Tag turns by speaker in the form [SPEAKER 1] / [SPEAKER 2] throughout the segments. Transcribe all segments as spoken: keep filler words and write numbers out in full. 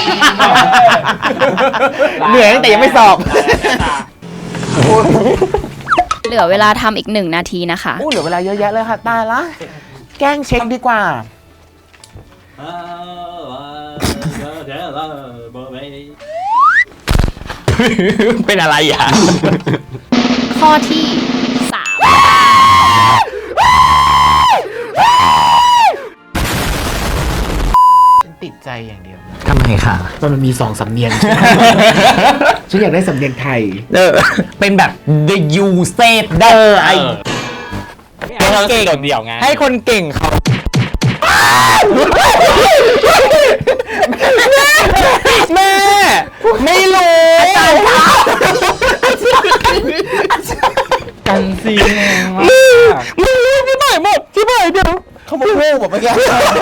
[SPEAKER 1] เหนื่อยตั้งแต่ยังไม่สอบ
[SPEAKER 2] เหลือเวลาทำอีกหนึ่งนาทีนะคะ
[SPEAKER 1] อู้เหลือเวลาเยอะแยะเลยค่ะตายละแกล้งเช็คดีกว่าเป็นอะไรอ่ะ
[SPEAKER 2] ข้อที่สาม
[SPEAKER 1] ติดใจอย่างเดียว
[SPEAKER 3] ทำไมคะ
[SPEAKER 1] มันมีสองสำเนียงฉันอยากได้สำเนียงไทย
[SPEAKER 3] เออเป็นแบบ the you said เด้อไอ้เก่งเดี่ยวไงให้คนเก่งเขาแม่ไม่รู้กันซีมึงรู้ที่ไหนหมดที่ไหนเดี๋ยวเขาบอกโง่หมดเมื่อกี้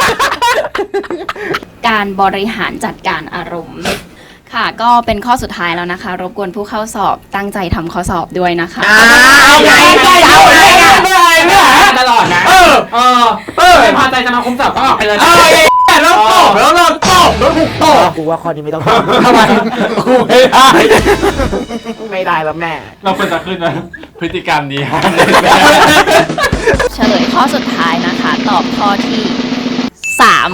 [SPEAKER 2] การบริหารจัดการอารมณ์ค่ะก็เป็นข้อสุดท้ายแล้วนะคะรบกวนผู้เข้าสอบตั้งใจทำข้อสอบด้วยนะคะ
[SPEAKER 1] เอาไงก็เอาไงไม่ไรเนี่ย
[SPEAKER 3] ตลอดนะเออเออเออไม่พอใจจะมาคุมสอบก็ออกไปเลยแล้วตอบแล้วเราตอบแล้วถูกตอบ
[SPEAKER 1] กูว่าข้อนี้ไม่ต้องตอบ
[SPEAKER 3] ทำไมกูไม่ได้
[SPEAKER 1] ไม่ได้แล้วแม่
[SPEAKER 3] เราควรจะขึ้นนะพฤติกรรมนี้
[SPEAKER 2] เฉลยข้อสุดท้ายนะคะตอบข้อที่สาม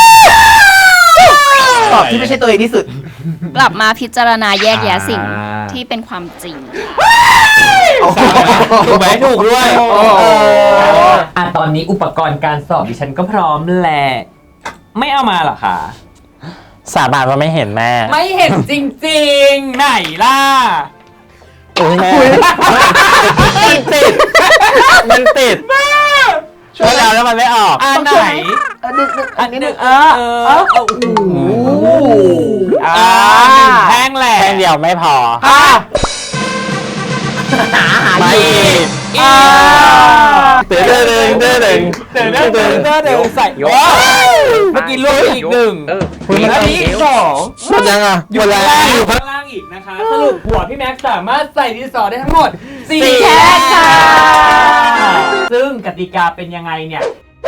[SPEAKER 1] ตอบที่ไม่ใช่ตัวเองที่สุด
[SPEAKER 2] กลับมาพิจารณาแยกแยะสิ่งที่เป็นความจริง
[SPEAKER 3] ถูกไหมถูกด้วยอ่ะตอนนี้อุปกรณ์การสอบดิฉันก็พร้อมแหละไม่เอามาหรอคะสาบานว่าไม่เห็นแม่ไม่เห็นจริงๆไหนล่ะโอ้ยแม่มันติดมันติดช่วยแล้วแล้วมันไม่ออกอันไหนอันนี้หนึ่งเออเออโอ้โหอ่าแท่งแหละแท่งเดียวไม่พอหาหาไม่อีกเต๋อเต๋อเต๋อเต๋อเต๋อเต๋อเต๋อเต๋อเต๋อเต๋อใส่เมื่อกี้ลูกอีกหนึ่งแล้วนี้สองหมดยังอ่ะอยู่ข้างล่างอยู่ข้างล่างอีกนะคะสรุปหัวพี่แม็กซ์สามารถใส่ดินสอได้ทั้งหมดสี่แท่งค่ะซึ่งกติกาเป็นยังไงเนี่ย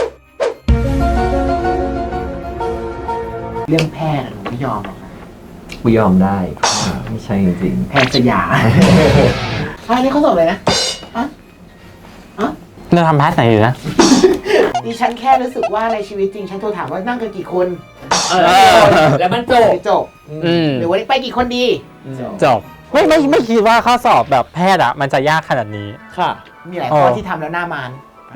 [SPEAKER 1] เรื่องแพทย์หนูไม่ยอมหรอก
[SPEAKER 3] กูยอมได้ไม่ใช่จริง
[SPEAKER 1] แพทย์สยามอันนี้เขาสอบเลยนะอะอะ
[SPEAKER 3] เราทำแพทย์ไหนอยู่นะ
[SPEAKER 1] ดิฉันแค่รู้สึกว่าในชีวิตจริงฉันโทรถามว่านั่งกันกี่คน
[SPEAKER 3] เออแล้วมันจบ
[SPEAKER 1] จบหรือวันนี้ไปกี่คนดี
[SPEAKER 3] จบไม่ไม่ไม่คิดว่าข้อสอบแบบแพทย์อะมันจะยากขนาดนี้
[SPEAKER 1] ค่ะมีหลายข้อที่ทำแล้วหน้ามาน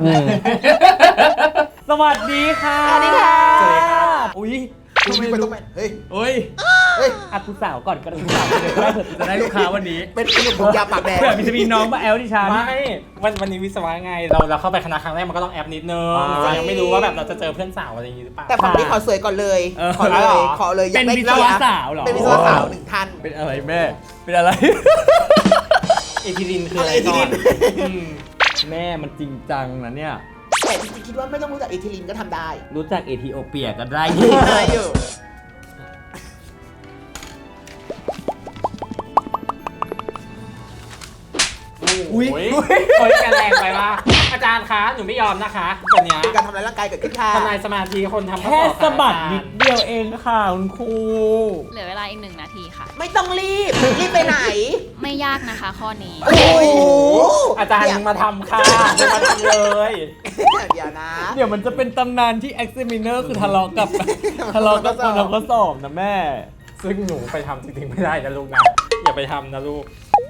[SPEAKER 3] สวัสดีค่ะ
[SPEAKER 1] สวัสดีค่ะ
[SPEAKER 3] สวัสดีครับอุ้ย
[SPEAKER 1] ทำไมมันต้องเฮ้ย
[SPEAKER 3] เฮ้ยอัดผู้สาวก่อนก็ได้ผู้สาวเดี๋ยวได้เผื่อจะได้ลูกค้าวันนี้
[SPEAKER 1] เป็นขนมผมยาปากแดง
[SPEAKER 3] เผื่อมีจะมีน้องมาแอลดิฉันไม่วันวันนี้วิศวะไงเราเราเข้าไปคณะครั้งแรกมันก็ต้องแอปนิดนึงเรายังไม่รู้ว่าแบบเราจะเจอเพื่อนสาวอะไรอย่างนี้หรือเปล่า
[SPEAKER 1] แต่ฝั่งนี้ขอสวยก่อนเลยขอเลยขอเลย
[SPEAKER 3] เป็นวิศวะสาวเหรอ
[SPEAKER 1] เป็นวิศวะสาวหนึ่งท่าน
[SPEAKER 3] เป็นอะไรแม่เป็นอะไรเอทิลินคืออะไรก่อนแม่มันจริงจังนะเนี่ย
[SPEAKER 1] แต่จริงๆคิดว่าไม่ต้องรู้จักเอทิลินก็ทำได้
[SPEAKER 3] รู้จักเอธิโอเปียก็ได้
[SPEAKER 1] ได้อยู่
[SPEAKER 3] อุ้ยโอ้ยกันแรงไปว่าอาจารย์คะหนูไม่ยอมนะคะตัวเนี้ย
[SPEAKER 1] การทำลายร่างกายเกิดขึ้นค่ะ
[SPEAKER 3] ทำลายสมาธิคนทำแค่สะบัดนิดเดียวเองค่ะคุณครู
[SPEAKER 2] เหลือเวลาอีกหนึ่งนาทีค่ะ
[SPEAKER 1] ไม่ต้องรีบรีบไปไหน
[SPEAKER 2] ไม่ยากนะคะข้อนี้
[SPEAKER 1] โอ้โห
[SPEAKER 3] อาจารย์มาทำค่ะมาทำเลย
[SPEAKER 1] เดี๋ยวนะ
[SPEAKER 3] เดี๋ยวมันจะเป็นตำนานที่ examiner คือทะเลาะกับทะเลาะกับคนทำข้อสอบนะแม่ซึ่งหนูไปทำจริงๆไม่ได้นะลูกนะอย่าไปทำนะลูก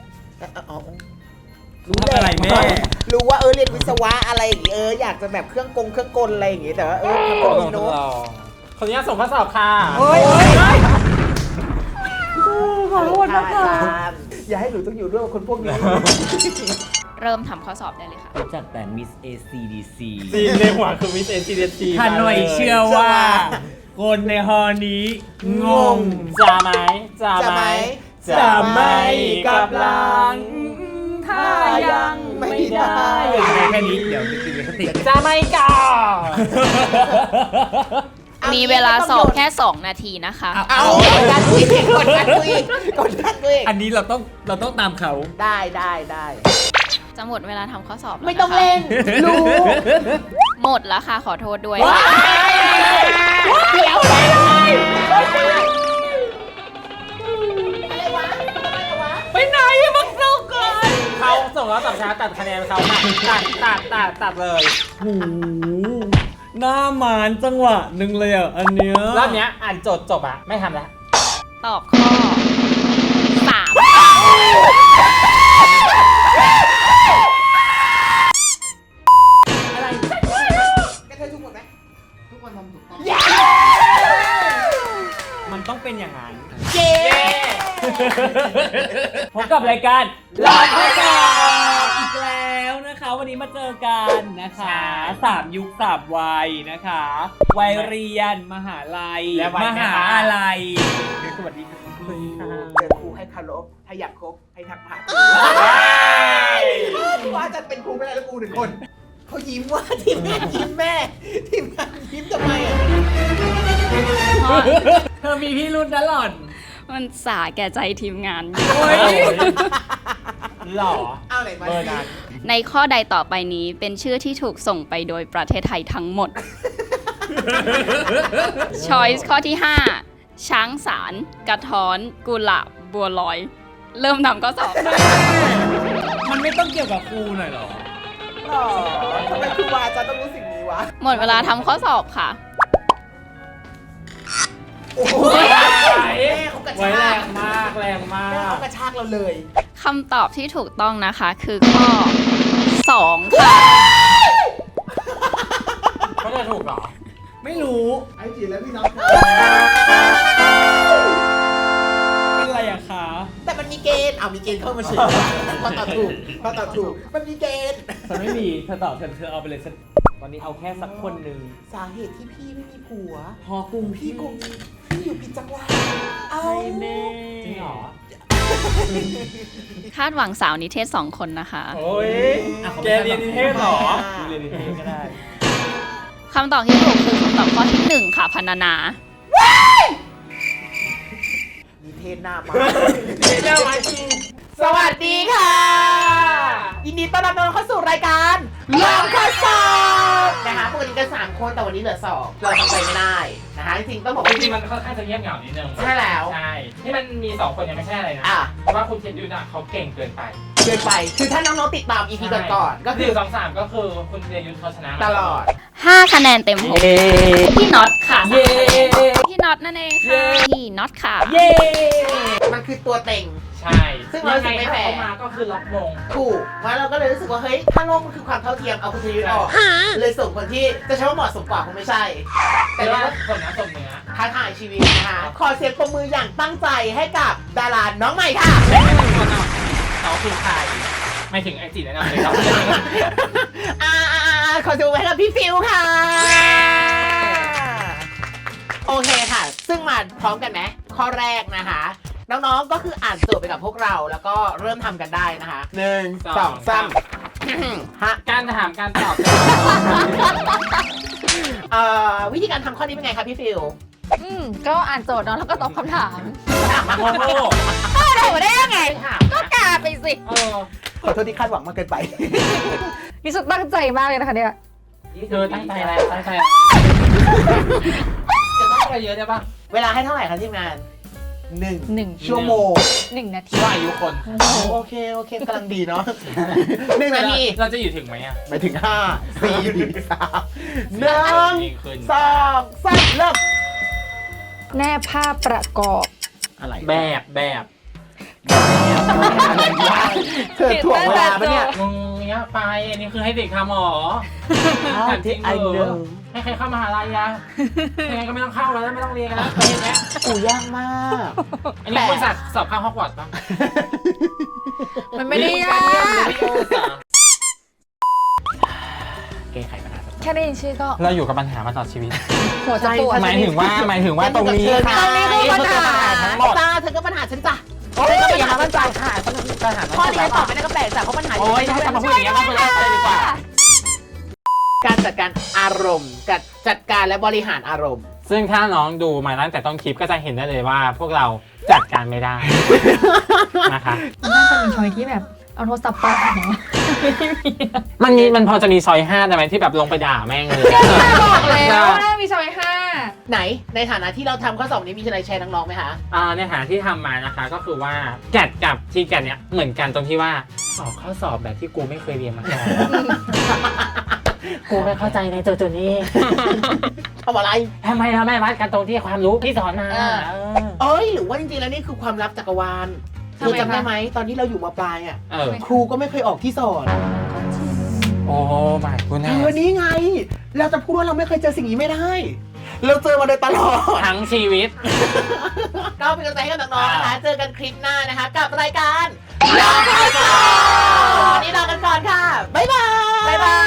[SPEAKER 3] รู้อะไรแม่
[SPEAKER 1] รู้ว่าเออเรียนวิศวะอะไรอย่างงี้เอออยากจะแบบเครื่องกงเครื่องกลอะไรอย่างงี้แต่ว่าเออทำตัวนี้โน้ต
[SPEAKER 3] ขออนุญาตส่งข้อสอบค่ะ
[SPEAKER 1] เฮ้ยขอโทษนะคะอย่าให้หนูต้องอยู่ด้วยกับคนพวกนี้
[SPEAKER 2] เริ่มทำข้อสอบได้เลยค่ะ
[SPEAKER 3] รู้จักแต่ Miss เอ ซี ดี ซี ซีในหัวคือ Miss เอ ซี ดี ซี ถ้าหน่อยเชื่อว่าคนในฮอนี้งงจะไหมจะไหมจะไม่กับหลังถ้ายังไม่ได้แค่นี้เดี๋ยวติดสติจะไม่ก่อน
[SPEAKER 2] มีเวลาสอบแค่สองนาทีนะคะ
[SPEAKER 1] เอากดดันคุยกดดันคุยกดดันคุย
[SPEAKER 3] อันนี้เราต้องเราต้องตามเขา
[SPEAKER 1] ได้ได้ได้
[SPEAKER 2] จะหมดเวลาทำข้อสอบ
[SPEAKER 1] ไม่ต้องเล่นรู้
[SPEAKER 2] หมดแล้วค่ะขอโทษด้วย
[SPEAKER 1] เดี๋ยวเลย
[SPEAKER 3] งแล้วตัดช้าตัดคะแนนเขาตัดตัดตัดตัดเลย
[SPEAKER 4] โอ้โหหน้าหมานจังหวะหนึ่งเลยอ่ะ อันเนี้ย
[SPEAKER 3] รอบเนี้ยอ่านโจทย์จบอะไม่ทำละ
[SPEAKER 2] ตอบข้อสาม
[SPEAKER 3] อะไร
[SPEAKER 1] แกเธอถูกหมดไหมทุกคนทำถูกต้อง
[SPEAKER 4] มันต้องเป็นอย่างนั้น
[SPEAKER 1] เย้
[SPEAKER 4] พบกับรายการลาข้อสอบอีกแล้วนะคะ วันนี้มาเจอกันนะคะสามยุคสามวัยนะคะ วัยเรียนมหาลัย
[SPEAKER 3] และวัย
[SPEAKER 4] ม
[SPEAKER 3] แม่
[SPEAKER 4] หา
[SPEAKER 3] บ้าน
[SPEAKER 4] อะไรสวัสดีค่ะ
[SPEAKER 1] เจอครูให้คารพถ้าอยากคบให้ทักผ่านว่าจะเป็นครูไม่ได้แล้วกูหนึ่งคนเขายิ้มว่าทีมแม่ยิ้มแม่ทีมงานยิ้มทำไมอ่ะ
[SPEAKER 4] เธอมีพี่รุ่นนะหล่อน
[SPEAKER 2] มันสาแก่ใจทีมงาน
[SPEAKER 4] โอ้ย
[SPEAKER 3] หล่อ
[SPEAKER 1] เอาไหนมา
[SPEAKER 3] เบอร์นั้น
[SPEAKER 2] ในข้อใดต่อไปนี้เป็นชื่อที่ถูกส่งไปโดยประเทศไทยทั้งหมด Choice ข้อที่ ห้า ช้างสาร กระท้อน กุหลาบ บัวลอย เริ่มทำข้อสอบ
[SPEAKER 4] มันไม่ต้องเกี่ยวกับครูหน่อยเหรอ
[SPEAKER 1] หรอทำไมครูวาจะต้องรู้สิ่งนี้วะ
[SPEAKER 2] หมดเวลาทำข้อสอบค่ะ
[SPEAKER 1] โอ้โหแม่เขากระ
[SPEAKER 3] ไว้
[SPEAKER 1] ชา
[SPEAKER 3] แร
[SPEAKER 1] ก
[SPEAKER 3] งมากแรงมา
[SPEAKER 1] แม่
[SPEAKER 3] ก
[SPEAKER 1] เขากระชากเราเลย
[SPEAKER 2] คำตอบที่ถูกต้องนะคะคือข้อ สอง ค่ะ
[SPEAKER 3] เขาจะถูกเหรอ
[SPEAKER 4] ไม่รู้
[SPEAKER 1] ไอ้จีแล้วพี่น้อง
[SPEAKER 4] เป็นอะไรอะคะ
[SPEAKER 1] แต่มันมีเกณฑ์เอามีเกณฑ์เข้ามาเฉยพอตอบถูกพอตอบถูกมันมีเกณฑ์
[SPEAKER 4] ฉันไม่มี เธอตอบเธอเธอเอาไปเลยฉันตอนนี้เอาแค่สักคนหนึ่ง
[SPEAKER 1] สาเหตุที่พี่ไม่มีผัว
[SPEAKER 4] พอกรุง
[SPEAKER 1] พี่กงพี่อยู่ผิดจังหวัดเอา
[SPEAKER 4] ใช่แน่
[SPEAKER 3] จริงเหรอ
[SPEAKER 2] คาดหวังสาวนิเทศสองคนนะคะ
[SPEAKER 3] โอ้ยแกเรียนนิเทศเหรอ
[SPEAKER 4] เรียนนิเทศก็ได้
[SPEAKER 2] คำตอบที่ถูกคือคำตอบข้อที่หนึ่งค่ะพรรณนา
[SPEAKER 1] มีเทศหน้ามา
[SPEAKER 3] เจ้ามาจริง
[SPEAKER 1] สวัสดีค่ะ ยินดีต้อนรับน้องเข้าสู่รายการลองข้อสอบนะคะปกติกันสามคนแต่วันนี้เหลือสองเราทำใจไม่ได้นะคะจริงๆต้องบอก
[SPEAKER 5] จ
[SPEAKER 1] ว่า
[SPEAKER 5] ริงๆมันค่อนข้างจะเงียบเหงานิดนึง
[SPEAKER 1] ใช่แล้ว
[SPEAKER 5] ใช่ ที่มันมีสองคนยังไม่ใช่อะไรนะ
[SPEAKER 1] อ่ะ
[SPEAKER 5] เพราะว่าคุณเทียนยูน่ะเขาเก่งเกินไป
[SPEAKER 1] เกินไปคือถ้าน้องๆติดตาม อี พี ก่อนๆก็
[SPEAKER 5] ห
[SPEAKER 1] คือ
[SPEAKER 5] นึ่งสองสามก็คือคุณเทียนยูเขาชนะ
[SPEAKER 1] ตลอด
[SPEAKER 2] ห้าคะแนนเต็มหกพี่น็อตค่ะ
[SPEAKER 4] เย้
[SPEAKER 2] พี่น็อตนั่นเองค่ะ พี่น็อตค่ะ
[SPEAKER 4] เย้
[SPEAKER 1] มันคือตัวเต็ง
[SPEAKER 5] ใช่
[SPEAKER 1] ซึ่งเรา
[SPEAKER 5] ยังไง
[SPEAKER 1] รู้สึกไม่
[SPEAKER 5] ถ้า
[SPEAKER 1] แฟร์
[SPEAKER 5] เขามาก็คือล็อกมง
[SPEAKER 1] ถูกมาเราก็เลยรู้สึกว่าเฮ้ยถ้าโลกมันคือความเท่าเทียมเอาคุณชยุทธออกเลยส่งคนที่จะใช้ว่าเหมาะสมกว่าคงไม่ใช่ แต่
[SPEAKER 5] แต่
[SPEAKER 1] ว่า
[SPEAKER 5] ว่าสมน้ำสมเนื้อ
[SPEAKER 1] ท้าทายชีวิตนะคะขอเสียงปรบมืออย่างตั้งใจให้กับดาราน้องใหม่ค่ะ
[SPEAKER 5] คนอ่ะเขาคือใครไม่ถึงไอจีแนะนำเลยครับ
[SPEAKER 1] อ่าๆๆขอเสียงปรบมือให้กับพี่ฟิวค่ะ โอเคค่ะ ซึ่งมาพร้อมกันไหมข้อแรกนะคะ น้องๆ ก็คืออ่านโจทย์ไปกับพวกเรา แล้วก็เริ่มทำกันได้นะคะหนึ่งสองสามฮะ
[SPEAKER 5] การถามการตอบ
[SPEAKER 1] เอ่อวิธีการทำข้อนี้เป็นไงคะพี่ฟิว
[SPEAKER 6] อืมก็อ่านโจทย์เนาะแล้วก็ตอบคำถาม
[SPEAKER 3] โอ้โห
[SPEAKER 6] ตอบได้ยังไง
[SPEAKER 5] ถาม
[SPEAKER 6] ก็กาไปสิ
[SPEAKER 5] เออ
[SPEAKER 1] ขอโทษที่คาดหวังมากเกินไป
[SPEAKER 6] นี่สุดตั้งใจมากเลยนะคะเนี่ย
[SPEAKER 5] เธอตั้งใจอะไรตั้งใจอะไรจะต้องอะไรเยอะได้ปะ
[SPEAKER 1] เวลาให้เท่าไหร่คะทีมงานหนึ่ง
[SPEAKER 6] หนึ่ง
[SPEAKER 1] ชั่วโมง
[SPEAKER 6] หนึ่งนาที
[SPEAKER 5] ว่าอายุคน
[SPEAKER 1] โอเค โอเคกำลังดีเนาะหนึ่งนาที
[SPEAKER 5] เราจะอยู่ถึงไหมอ่ะ
[SPEAKER 1] ไปถึงห้าสี่สามหนึ่ง
[SPEAKER 5] ยิงขึ้น
[SPEAKER 1] สองสามเริ่ม
[SPEAKER 6] แนบภาพประกอบ
[SPEAKER 1] อะไร
[SPEAKER 5] แบบแบบ
[SPEAKER 1] อะไรวะเธอถ่วงเวลาปะเนี่ย
[SPEAKER 5] งงเงี้ยไปอันนี้คือให้เด็กทำหรอ
[SPEAKER 1] อ้าวที่ไอหนึ่ง
[SPEAKER 5] ให้ใครเข้ามหาลัยอะยังไงก็ไม่ต้องเข้าแล้วไม่ต้องเรียนกันแล้วเห็นไหม
[SPEAKER 1] อูยากมาก
[SPEAKER 5] อันนี้คุณสัตว์สอบเข้าฮอกวอตส์ปะ
[SPEAKER 6] มันไม่ได้ยาก
[SPEAKER 5] แก้ไขปัญหา
[SPEAKER 6] แค่ได้ยินชื่อก็
[SPEAKER 5] เราอยู่กับปัญหามาตลอดชีวิต
[SPEAKER 6] หัวจะปวด
[SPEAKER 5] หมายถึงว่าหมายถึงว่าตรงนี้ค่ะ
[SPEAKER 1] ตรงนี้คือปัญหา
[SPEAKER 5] ทั้งหมด
[SPEAKER 1] จ้าเธอก็ปัญหาฉันจ้ะ
[SPEAKER 5] โอ้ย
[SPEAKER 1] เธอก็
[SPEAKER 5] อ
[SPEAKER 1] ปัญ
[SPEAKER 5] ย่า
[SPEAKER 1] หา
[SPEAKER 5] มา
[SPEAKER 1] ฉันจ้ะ
[SPEAKER 5] ค่ะปัญหา
[SPEAKER 1] ข้อนี้ตอบไม่ได้ก็แปลกจ้ะเพราะปัญหา
[SPEAKER 5] โอ้ยถ้าจะมาพูดอย่างเงี้ยมาคุยกันเลยดีกว่า
[SPEAKER 1] การจัดการอารมณ์กับจัดการและบริหารอารมณ์
[SPEAKER 5] ซึ่งถ้าน้องดูมาตั้งแต่ต้นคลิปก็จะเห็นได้เลยว่า พวกเราจัดการไม่ได้นะคะ
[SPEAKER 6] น่าจะเป็นช้อยที่แบบเอาโทรศัพท์ไปเนาะ
[SPEAKER 5] มันมีมันพอจะมีซอยห้าได้ไหมที่แบบลงไปด่าแม่งเลย
[SPEAKER 6] บอกแล้วว่ามีซอยห้า
[SPEAKER 1] ไหนในฐานะที่เราทำข้อสอบนี้มีอะไรแชร์น้องๆไหมคะ
[SPEAKER 5] อ่าในฐานะที่ทำมานะคะก็คือว่าแกดกับทีแกดเนี่ยเหมือนกันตรงที่ว่าสอบข้อสอบแบบที่กูไม่เคยเรียนมาก่อน กูไม่เข้าใจในตัวตัวนี้
[SPEAKER 1] ทำอะไร
[SPEAKER 5] ทำไมเราไม่วัดกันตรงที่ความรู้ที่สอนมา
[SPEAKER 6] เออ
[SPEAKER 5] เออ
[SPEAKER 1] เอ้ยหรือว่าจริงๆแล้วนี่คือความลับจักรวาลเธอจำได้ไหมตอนที่เราอยู่มปลายอ่ะ
[SPEAKER 5] เออ
[SPEAKER 1] ครูก็ไม่เคยออกที่สอน
[SPEAKER 5] โอ้ไม่กู
[SPEAKER 1] เธ
[SPEAKER 5] แน่
[SPEAKER 1] อนี้ไง เราจะพูดว่าเราไม่เคยเจอสิ่งนี้ไม่ได้ เราเจอมาโดยตลอด
[SPEAKER 5] ทั้งชีวิต
[SPEAKER 1] ก็เป็นกำลังใจให้กับน้องๆนะคะ เจอกันคลิปหน้านะคะ กับรายการลาไปก่อนวันนี้ลากันก่อนค่ะ บ๊ายบาย
[SPEAKER 6] บ๊ายบาย